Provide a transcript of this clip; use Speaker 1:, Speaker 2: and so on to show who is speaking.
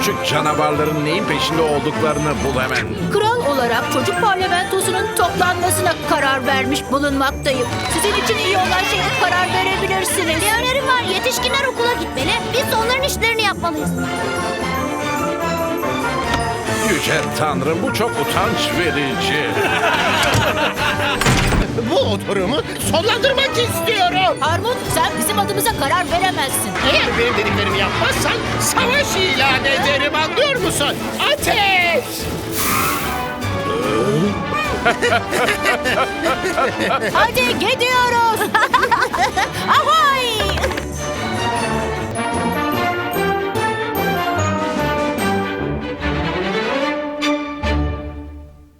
Speaker 1: küçük canavarların neyin peşinde olduklarını bul hemen.
Speaker 2: Kral olarak çocuk parlamentosunun toplanmasına karar vermiş bulunmaktayım. Sizin için iyi olan şeye karar verebilirsiniz.
Speaker 3: Bir önerim var. Yetişkinler okula gitmeli. Biz de onların işlerini yapmalıyız.
Speaker 1: Yüce Tanrım, bu çok utanç verici.
Speaker 4: Bu oturumu sonlandırmak istiyorum.
Speaker 2: Armut, sen bizim adımıza karar veremezsin.
Speaker 4: Eğer benim dediklerimi yapmazsan savaş ilan ederim, anlıyor musun? Ateş!
Speaker 2: Hadi gidiyoruz. Aha!